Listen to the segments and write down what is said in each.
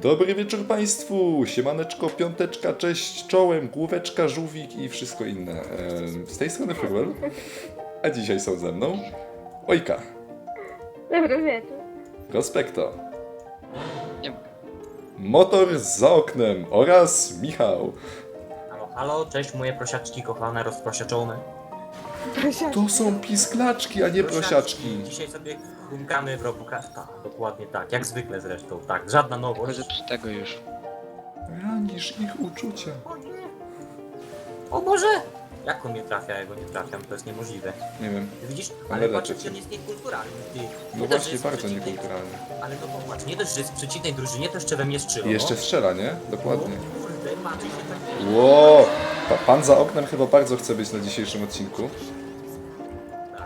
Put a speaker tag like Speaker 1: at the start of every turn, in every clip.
Speaker 1: Dobry wieczór Państwu, siemaneczko, piąteczka, cześć, czołem, główeczka, żółwik i wszystko inne. Z tej strony Furwell, a dzisiaj są ze mną Ojka,
Speaker 2: Dobry wieczór.
Speaker 1: Prospekto,
Speaker 3: Nie mogę.
Speaker 1: Motor za oknem oraz Michał.
Speaker 3: Halo, halo, cześć moje prosiaczki kochane, rozprosiaczone.
Speaker 1: To są pisklaczki, a nie prosiaczki.
Speaker 3: Dzisiaj sobie chrumkamy w Robocrafta. Dokładnie tak, jak zwykle zresztą, tak, żadna nowość.
Speaker 4: Tylko zepsutego już.
Speaker 1: Ranisz ich uczucia.
Speaker 3: O nie! O Boże! Jak on nie trafia, ja go nie trafiam, to jest niemożliwe.
Speaker 1: Nie wiem,
Speaker 3: Widzisz?
Speaker 1: Ale
Speaker 3: Ale
Speaker 1: leczę
Speaker 3: patrz,
Speaker 1: cię.
Speaker 3: on jest niekulturalny. Ty.
Speaker 1: no
Speaker 3: Nie dość, że
Speaker 1: właśnie
Speaker 3: jest
Speaker 1: bardzo
Speaker 3: przeciwnej-
Speaker 1: niekulturalny.
Speaker 3: Ale to popatrz, nie dość, że jest w przeciwnej drużynie, to jeszcze we mnie strzela.
Speaker 1: I jeszcze strzela, nie? Dokładnie.
Speaker 3: O kurde, patrz, się tak...
Speaker 1: Ło! Pan za oknem chyba bardzo chce być na dzisiejszym odcinku.
Speaker 3: Tak.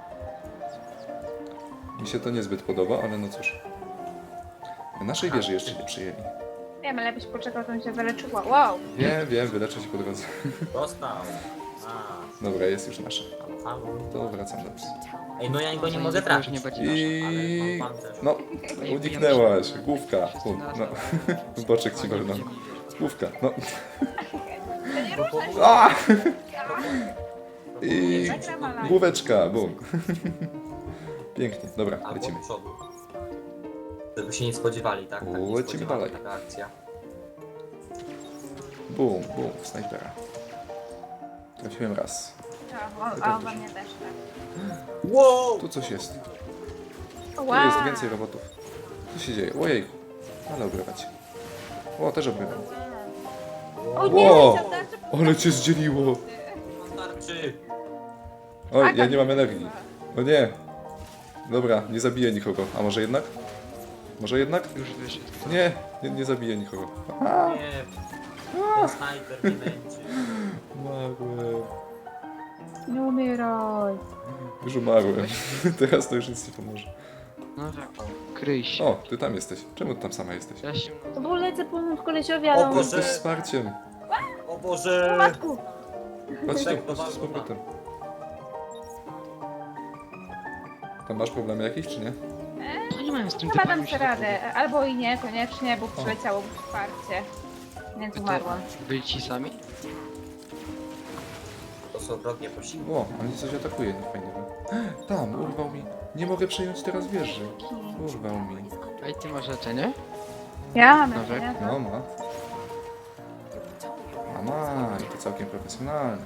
Speaker 1: Mi się to niezbyt podoba, ale no cóż. Naszej wieży jeszcze nie przyjęli.
Speaker 2: Wiem, ale byś poczekał, to mi się wyleczyła. Wow.
Speaker 1: Wiem, wyleczę się po drodze.
Speaker 3: Dostał. A,
Speaker 1: Dobra, jest już nasza.
Speaker 3: halo, halo.
Speaker 1: To wracam do psa.
Speaker 3: Ej, no ja go nie
Speaker 4: Zanim
Speaker 3: mogę
Speaker 4: to już
Speaker 3: trafić.
Speaker 4: nie będzie
Speaker 1: I...
Speaker 3: Ale mam pancerz.
Speaker 1: No, uniknęłaś. Główka. No. W boczek ci wolno. Główka, no.
Speaker 2: To nie ruszaj się.
Speaker 1: A! I...
Speaker 2: Zagrama live.
Speaker 1: Główeczka, bum. Pięknie, dobra,
Speaker 3: Albo
Speaker 1: lecimy.
Speaker 3: do przodu. Żeby się nie spodziewali, tak? Tak, nie
Speaker 1: Lecimy
Speaker 3: spodziewali,
Speaker 1: dalej.
Speaker 3: Taka akcja.
Speaker 1: Bum, snajpera. Trafiłem raz.
Speaker 2: A on we mnie też tak.
Speaker 3: Wow!
Speaker 1: Tu coś jest. Tu
Speaker 2: Wow.
Speaker 1: jest więcej robotów. Co się dzieje? Ojej. Ale obrywać. O, też obrywam.
Speaker 2: O nie,
Speaker 1: Wow.
Speaker 2: leciał tarczy.
Speaker 1: Ale cię zdzieliło.
Speaker 3: Tarczy!
Speaker 1: Oj, ja nie mam energii. O nie. Dobra, nie zabiję nikogo. A może jednak? Może jednak?
Speaker 4: Już wyszedł.
Speaker 1: Nie zabiję nikogo.
Speaker 3: Nie, ten snajper nie męczy.
Speaker 1: Umarłem.
Speaker 2: Nie umieraj.
Speaker 1: Już umarłem. Teraz to już nic nie pomoże.
Speaker 4: No tak, kryj się.
Speaker 1: O, ty tam jesteś. Czemu ty tam sama jesteś?
Speaker 4: Ja się...
Speaker 2: To było lecę pomóc kolesiowi, ale
Speaker 3: O
Speaker 2: on...
Speaker 3: Boże.
Speaker 1: Jesteś wsparciem.
Speaker 3: O Boże!
Speaker 2: Matku.
Speaker 1: Chodź tu,
Speaker 3: Tak,
Speaker 1: chodź tu z powrotem. Tam masz problemy jakieś, czy nie?
Speaker 4: To nie mają z tym
Speaker 2: Chyba
Speaker 4: typami
Speaker 2: dam
Speaker 4: już
Speaker 2: sobie radę. Albo i nie, koniecznie, bo przyleciało wsparcie. Więc
Speaker 4: To
Speaker 2: umarłam.
Speaker 4: byli ci sami?
Speaker 3: To są wrogie posiłki.
Speaker 1: O, oni coś atakuje fajnego. Tam, urwał mi. Nie mogę przejąć teraz wieży. Urwał mi.
Speaker 4: Ej, ty masz leczenie?
Speaker 2: Ja mam
Speaker 4: Dobra.
Speaker 2: leczenie.
Speaker 1: No ma. I to całkiem profesjonalne.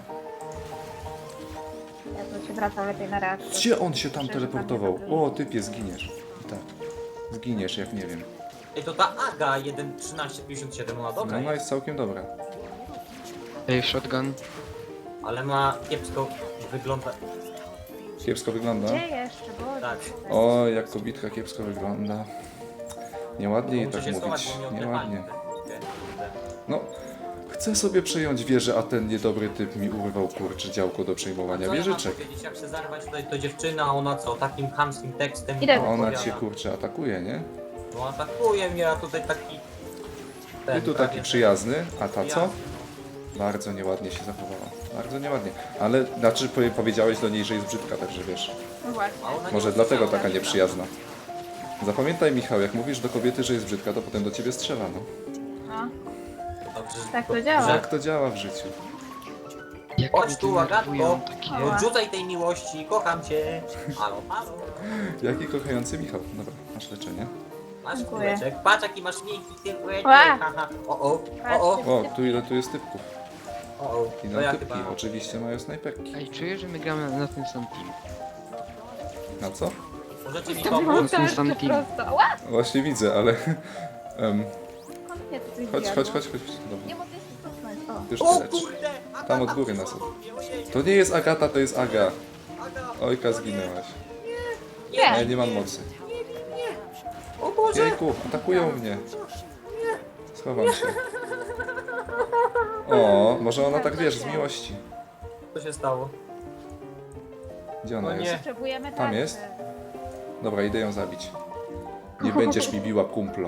Speaker 2: Ja to się wracał lepiej na reakcję.
Speaker 1: Gdzie on się tam
Speaker 2: Myślę, że
Speaker 1: teleportował?
Speaker 2: tam nie
Speaker 1: O, typie, zginiesz. I tak. Zginiesz, jak nie wiem.
Speaker 3: Ej, to ta Aga 1.13.57, ona dobra
Speaker 1: No, ona
Speaker 3: jest,
Speaker 1: jest całkiem dobra.
Speaker 4: Ej, shotgun.
Speaker 3: ale ma kiepsko wygląda.
Speaker 1: Kiepsko wygląda.
Speaker 2: Gdzie jeszcze? Bo...
Speaker 3: Tak.
Speaker 1: O, jak kobitka kiepsko wygląda. Nieładnie jej
Speaker 3: Muszę
Speaker 1: tak
Speaker 3: się
Speaker 1: mówić.
Speaker 3: schować, bo mnie
Speaker 1: Nieładnie.
Speaker 3: odlepali.
Speaker 1: No, chcę sobie przejąć wieżę, a ten niedobry typ mi urwał kurczę działko do przejmowania
Speaker 3: Co ja mam
Speaker 1: wieżyczek.
Speaker 3: powiedzieć, jak chcę zarwać tutaj to dziewczyna, a ona co, takim chamskim tekstem
Speaker 2: Idę.
Speaker 1: A ona
Speaker 3: opowiada.
Speaker 1: cię kurczę atakuje, nie?
Speaker 3: No atakuje mnie, a tutaj taki...
Speaker 1: I tu
Speaker 3: prawie
Speaker 1: taki przyjazny, a ta co?
Speaker 3: przyjazny,
Speaker 1: Bardzo nieładnie się zachowała. Bardzo nieładnie. Ale, znaczy powiedziałeś do niej, że jest brzydka, także wiesz.
Speaker 2: No właśnie.
Speaker 3: no. A ona nie
Speaker 1: Może dlatego
Speaker 3: usłyszała.
Speaker 1: taka nieprzyjazna. Zapamiętaj, Michał, jak mówisz do kobiety, że jest brzydka, to potem do ciebie strzela, no.
Speaker 2: No.
Speaker 3: Dobrze,
Speaker 2: Tak to działa.
Speaker 1: Tak to działa w życiu.
Speaker 4: Jak
Speaker 3: Chodź
Speaker 4: mnie
Speaker 3: tu, Agatko.
Speaker 4: denerwują takie...
Speaker 2: O.
Speaker 3: Odrzucaj tej miłości, kocham cię. Halo, halo.
Speaker 1: Jaki kochający Michał. Dobra, masz leczenie.
Speaker 3: Masz
Speaker 2: Dziękuję.
Speaker 3: kuleczek. Patrz jaki masz miękki tyłek.
Speaker 2: Ła.
Speaker 3: Haha. O.
Speaker 1: O, tu ile tu jest typków.
Speaker 3: O.
Speaker 1: I
Speaker 3: To
Speaker 1: na
Speaker 3: ja
Speaker 1: typki,
Speaker 3: chyba...
Speaker 1: oczywiście mają snajperki.
Speaker 4: Ej, czuję, że my gramy na ten sam team.
Speaker 1: Na co?
Speaker 3: Możecie mi
Speaker 2: To
Speaker 3: pomóc?
Speaker 2: było
Speaker 4: Ten sam
Speaker 2: tarczę
Speaker 4: team.
Speaker 2: prosto. Ła!
Speaker 1: Właśnie widzę, ale...
Speaker 2: Skąd mnie to coś
Speaker 1: chodź.
Speaker 2: zjadło?
Speaker 1: Dobra,
Speaker 2: Nie mogę się cofnąć. O.
Speaker 1: już
Speaker 3: O
Speaker 1: ty lecz.
Speaker 3: kurde! Agata,
Speaker 1: Tam od góry nas...
Speaker 3: przyszła do mnie, ojej.
Speaker 1: To nie jest Agata, to jest Aga.
Speaker 3: Aga.
Speaker 1: Ojka,
Speaker 3: O nie.
Speaker 1: zginęłaś.
Speaker 2: Nie.
Speaker 1: Ja nie mam mocy.
Speaker 3: O Boże!
Speaker 1: Jejku, atakują mnie. Schowam się. O, może ona tak wiesz, z miłości.
Speaker 3: Co się stało?
Speaker 1: Gdzie ona
Speaker 3: O nie.
Speaker 1: jest?
Speaker 2: Potrzebujemy
Speaker 1: Tam
Speaker 2: tarczy.
Speaker 1: jest? Dobra, idę ją zabić. Nie będziesz mi biła kumpla.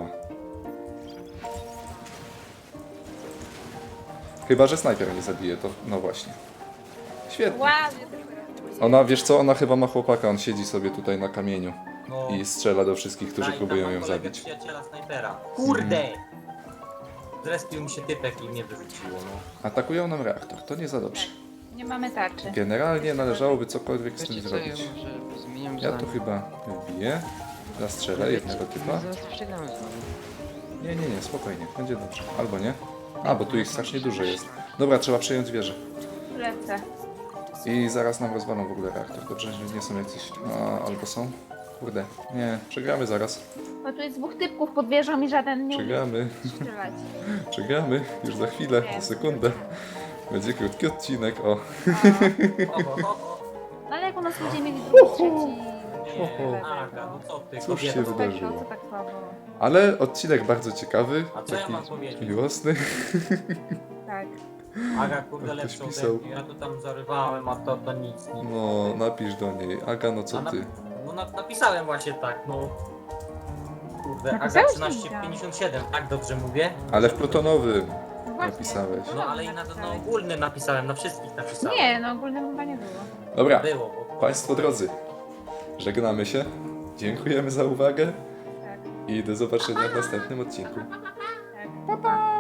Speaker 1: Chyba, że snajper nie zabije, to no właśnie. Świetnie.
Speaker 2: Ładnie.
Speaker 1: Ona, wiesz co, ona chyba ma chłopaka, on siedzi sobie tutaj na kamieniu.
Speaker 3: No.
Speaker 1: i strzela do wszystkich, którzy
Speaker 3: Tam
Speaker 1: próbują
Speaker 3: mam
Speaker 1: ją
Speaker 3: kolegę
Speaker 1: zabić.
Speaker 3: przyjaciela snajpera. Kurde! Zrespił mi się typek i mnie wyrzuciło, no.
Speaker 1: Atakują nam reaktor, to nie za dobrze.
Speaker 2: Nie mamy tarczy.
Speaker 1: Generalnie należałoby cokolwiek z tym
Speaker 4: Wiecie co, ja
Speaker 1: zrobić.
Speaker 4: może zmieniam
Speaker 1: Ja tu
Speaker 4: zdanie.
Speaker 1: chyba wbiję, zastrzelę jednego typa.
Speaker 4: Zaraz przegramy znowu.
Speaker 1: Nie, spokojnie, będzie dobrze. Albo nie. A, bo tu ich strasznie dużo jest. Dobra, trzeba przejąć wieżę.
Speaker 2: Lecę.
Speaker 1: I zaraz nam rozwalą w ogóle reaktor. Dobrze, że nie są jacyś... A, albo są? Kurde, nie, przegramy zaraz.
Speaker 2: Bo tu jest dwóch typków pod wieżą i żaden nie umie
Speaker 1: Przegramy,
Speaker 2: strzelać.
Speaker 1: przegramy. Już za chwilę, za sekundę. Będzie krótki odcinek, o.
Speaker 2: O. No ale jak u nas ludzie mieli drugi, trzeci...
Speaker 3: Nie, Aga, no co ty,
Speaker 1: Cóż się
Speaker 3: kobieto.
Speaker 1: wydarzyło?
Speaker 2: No co tak słabo?
Speaker 1: Ale odcinek bardzo ciekawy,
Speaker 3: A co ja
Speaker 1: taki
Speaker 3: mam powiedzieć?
Speaker 1: miłosny.
Speaker 2: Tak.
Speaker 3: Aga, kurde,
Speaker 1: Ktoś
Speaker 3: lepszą
Speaker 1: pisał.
Speaker 3: ode mnie. Ja tu tam zarywałem, a to nic.
Speaker 1: No, napisz do niej. Aga, no co ty?
Speaker 3: Napisałem właśnie tak, no. Kurde, Aga
Speaker 2: Napisałeś
Speaker 3: 1357, tak dobrze mówię?
Speaker 1: Ale w plutonowym
Speaker 2: No właśnie.
Speaker 1: napisałeś.
Speaker 3: No ale i na ogólny napisałem, na wszystkich napisałem.
Speaker 2: Nie, no ogólnym chyba nie było.
Speaker 1: Dobra,
Speaker 3: Było, bo...
Speaker 1: Państwo drodzy, żegnamy się. Dziękujemy za uwagę
Speaker 2: Tak,
Speaker 1: i do zobaczenia w następnym odcinku.
Speaker 2: tak. Pa.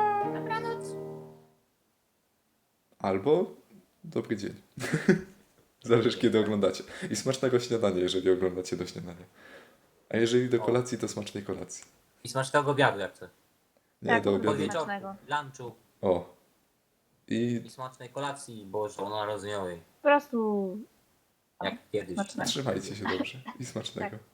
Speaker 1: Albo dobry dzień. Zależy kiedy oglądacie. I smacznego śniadania, jeżeli oglądacie do śniadania. A jeżeli do kolacji, to smacznej kolacji.
Speaker 3: I smacznego obiadu jak chcę.
Speaker 1: Nie,
Speaker 2: Tak,
Speaker 1: do
Speaker 2: bo
Speaker 1: obiadu.
Speaker 3: Podwieczorku,
Speaker 2: Smacznego.
Speaker 3: lunchu
Speaker 1: O. I
Speaker 3: i smacznej kolacji bożonarodzeniowej.
Speaker 2: Po prostu...
Speaker 3: Jak kiedyś.
Speaker 2: Smacznego.
Speaker 1: trzymajcie się dobrze. I smacznego.
Speaker 2: Tak.